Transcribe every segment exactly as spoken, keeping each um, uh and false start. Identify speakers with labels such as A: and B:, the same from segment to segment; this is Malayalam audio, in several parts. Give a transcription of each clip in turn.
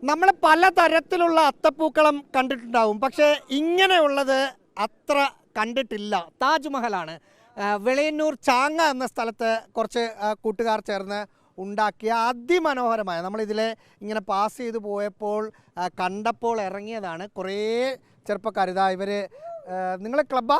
A: നമ്മൾ പലതരത്തിലുള്ള അത്തപ്പൂക്കളം കണ്ടിട്ടുണ്ടാവും, പക്ഷേ ഇങ്ങനെയുള്ളത് അത്ര കണ്ടിട്ടില്ല. താജ്മഹലാണ് വെളിയന്നൂർ ചാങ്ങ എന്ന സ്ഥലത്ത് കുറച്ച് കൂട്ടുകാർ ചേർന്ന് ഉണ്ടാക്കിയ അതിമനോഹരമായ, നമ്മളിതിലെ ഇങ്ങനെ പാസ് ചെയ്ത് പോയപ്പോൾ കണ്ടപ്പോൾ ഇറങ്ങിയതാണ്. കുറേ ചെറുപ്പക്കാർ, ഇതാ ഇവർ, നിങ്ങൾ ക്ലബ്ബാ?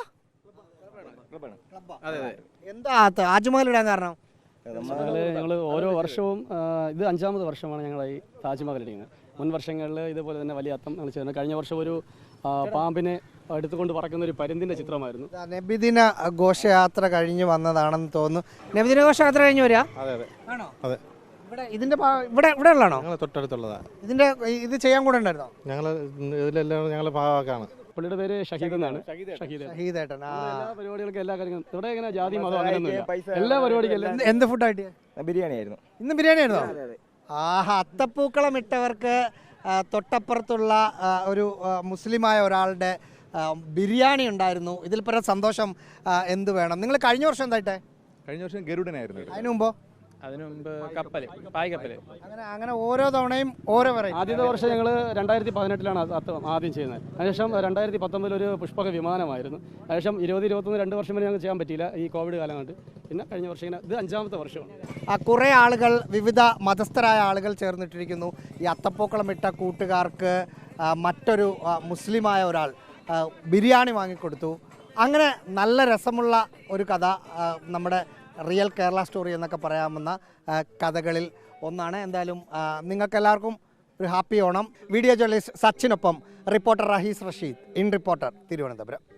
A: എന്താ താജ്മഹൽ ഇടാൻ കാരണം?
B: ഞങ്ങൾ ഓരോ വർഷവും ഇത് അഞ്ചാമത് വർഷമാണ് ഞങ്ങൾ ഈ താജ്മഹൽ ഇടിക്കുന്നത്. മുൻ വർഷങ്ങളിൽ ഇതുപോലെ തന്നെ വലിയ അത്തം ഞങ്ങൾ ചെയ്യുന്നത്. കഴിഞ്ഞ വർഷം ഒരു പാമ്പിനെ എടുത്തുകൊണ്ട് പറക്കുന്ന ഒരു പരുന്തിൻ്റെ ചിത്രമായിരുന്നു.
A: നബിദിന ഘോഷയാത്ര കഴിഞ്ഞ് വന്നതാണെന്ന് തോന്നുന്നു. നബിദിന ഘോഷയാത്ര കഴിഞ്ഞ് വരിക?
C: അതെ അതെ
A: ആണോ?
C: അതെ.
A: ഇവിടെ ഇതിന്റെ ഇവിടെ ഇവിടെ ഉള്ളതാണോ?
C: ഞങ്ങൾ തൊട്ടടുത്തുള്ളതാണ്.
A: ഇതിന്റെ ഇത് ചെയ്യാൻ കൂടെ ഉണ്ടായിരുന്നോ?
C: ഞങ്ങൾ ഇതിലെല്ലാം ഞങ്ങൾ ഭാഗമാണ്.
B: പുള്ളിയുടെ പേര് ഷഹീദ് എന്നാണ്.
A: ഷഹീദേട്ടൻ.
B: എല്ലാ പരിപാടികൾക്കും എല്ലാ കാര്യങ്ങളും ഇവിടെ ഇങ്ങനെ ജാതി മതം അങ്ങനെയൊന്നുമില്ല. എല്ലാ പരിപാടിക്കും
A: എന്ത് ഫുഡായിട്ട്?
D: ബിരിയാണി ആയിരുന്നു.
A: ഇന്ന് ബിരിയാണി ആയിരുന്നോ? ആഹാ, അത്തപ്പൂക്കളം ഇട്ടവർക്ക് തൊട്ടപ്പുറത്തുള്ള ഒരു മുസ്ലിമായ ഒരാളുടെ ബിരിയാണി ഉണ്ടായിരുന്നു. ഇതിൽ പരം സന്തോഷം എന്ത് വേണം? നിങ്ങൾ കഴിഞ്ഞ വർഷം എന്തായിട്ടെ?
C: കഴിഞ്ഞ വർഷം ഗരുഡനായിരുന്നു.
A: അതിനു മുമ്പോ?
B: അതിനു മുമ്പ് കപ്പൽ, പായ് കപ്പൽ.
A: അങ്ങനെ അങ്ങനെ ഓരോ തവണയും ഓരോ വെറൈറ്റി.
B: ആദ്യത്തെ വർഷം ഞങ്ങൾ രണ്ടായിരത്തി പതിനെട്ടിലാണ് ആദ്യം ചെയ്യുന്നത്. അതിനുശേഷം രണ്ടായിരത്തി പത്തൊമ്പതിൽ ഒരു പുഷ്പക വിമാനമായിരുന്നു. അതിനുശേഷം ഇരുപത് ഇരുപത്തൊന്ന് രണ്ട് വർഷം വരെ ഞങ്ങൾക്ക് ചെയ്യാൻ പറ്റിയില്ല, ഈ കോവിഡ് കാലം കൊണ്ട്. പിന്നെ കഴിഞ്ഞ വർഷം ഇങ്ങനെ ഇത് അഞ്ചാമത്തെ വർഷമാണ്.
A: ആ കുറേ ആളുകൾ, വിവിധ മതസ്ഥരായ ആളുകൾ ചേർന്നിട്ടിരിക്കുന്നു. ഈ അത്തപ്പൂക്കളം ഇട്ട കൂട്ടുകാർക്ക് മറ്റൊരു മുസ്ലിമായ ഒരാൾ ബിരിയാണി വാങ്ങിക്കൊടുത്തു. അങ്ങനെ നല്ല രസമുള്ള ഒരു കഥ, നമ്മുടെ റിയൽ കേരള സ്റ്റോറി എന്നൊക്കെ പറയാവുന്ന കഥകളിൽ ഒന്നാണ്. എന്തായാലും നിങ്ങൾക്കെല്ലാവർക്കും ഒരു ഹാപ്പി ഓണം. വീഡിയോ ജേർണലിസ്റ്റ് സച്ചിനൊപ്പം reporter Rahees Rasheed, in reporter, Thiruvananthapuram.